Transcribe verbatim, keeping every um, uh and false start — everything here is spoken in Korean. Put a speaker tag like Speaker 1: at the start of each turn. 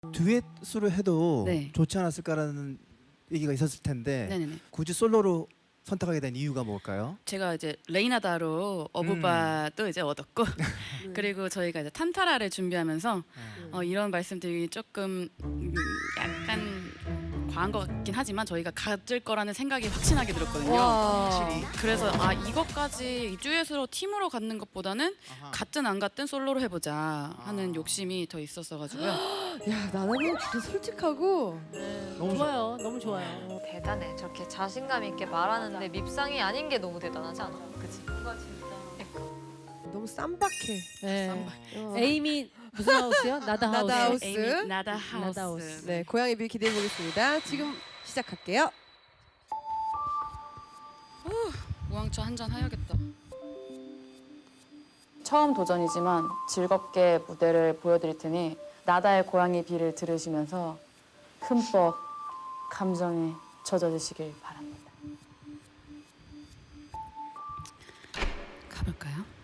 Speaker 1: 듀엣으로 해도
Speaker 2: 네.
Speaker 1: 좋지 않았을까라는 얘기가 있었을 텐데
Speaker 2: 네네네.
Speaker 1: 굳이 솔로로 선택하게 된 이유가 뭘까요?
Speaker 2: 제가 이제 레이나다로 어부바도 이제 얻었고 그리고 저희가 이제 탄타라를 준비하면서 어, 이런 말씀드리기 조금 음, 약간 과한 것 같긴 하지만 저희가 가질 거라는 생각이 확신하게 들었거든요.
Speaker 3: 와.
Speaker 2: 그래서 아 이것까지 듀엣으로 팀으로 갖는 것보다는 같든 안 같든 솔로로 해보자 하는 욕심이 더 있었어가지고요.
Speaker 3: 야, 나나는 진짜 솔직하고
Speaker 1: 너무
Speaker 4: 좋아요. 너무 좋아요.
Speaker 5: 대단해. 저렇게 자신감 있게 말하는데 밉상이 아닌 게 너무 대단하지 않아? 그치? 뭔가 진짜.
Speaker 3: 너무 쌈박해.
Speaker 4: 네.
Speaker 3: 어.
Speaker 4: 에이미 무슨 하우스요? 나다 하우스.
Speaker 3: 나다 하우스.
Speaker 2: 에이미 나다 하우스.
Speaker 4: 나다 하우스.
Speaker 3: 네, 고양이 뷰 기대해 보겠습니다. 지금 시작할게요.
Speaker 2: 우왕차 한 잔 해야겠다.
Speaker 6: 처음 도전이지만 즐겁게 무대를 보여드릴 테니 나다의 고양이 비를 들으시면서 흠뻑 감정에 젖어드시길 바랍니다.
Speaker 2: 가볼까요?